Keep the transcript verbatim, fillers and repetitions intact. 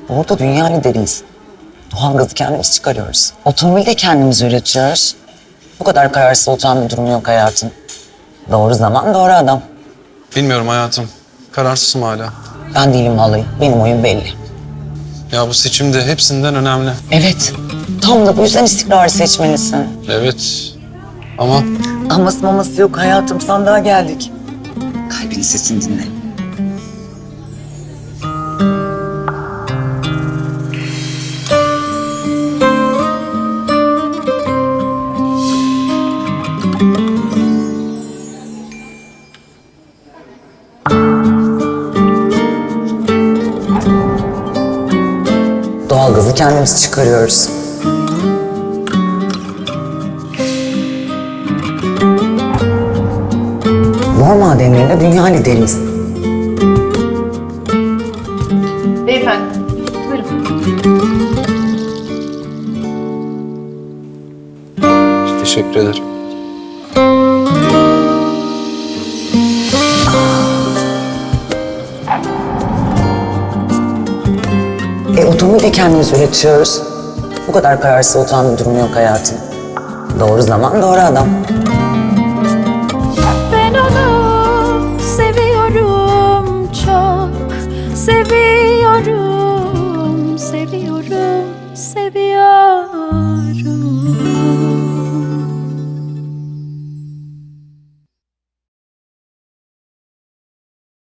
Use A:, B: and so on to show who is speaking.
A: Orada dünya lideriyiz. Doğalgazı kendimiz çıkarıyoruz. Otomobili de kendimiz üretiyoruz. Bu kadar kararsız olacağım bir durum yok hayatım. Doğru zaman, doğru adam.
B: Bilmiyorum hayatım. Kararsızım hala.
A: Ben değilim vallahi. Benim oyun belli.
B: Ya bu seçimde hepsinden önemli.
A: Evet. Tam da bu yüzden istikrarı seçmelisin.
B: Evet. Ama
A: Aması maması yok hayatım. Sandığa geldik. Kalbinin sesini dinle. Doğalgazı kendimiz çıkarıyoruz. Bor madenlerinde dünya lideriyiz.
C: Beyefendi, buyurun.
B: teşekkür ederim.
A: E, otomobili de kendimiz üretiyoruz. Bu kadar kararsız olacağım bir durum yok hayatım. Doğru zaman, doğru adam.
D: Ben onu seviyorum çok, seviyorum.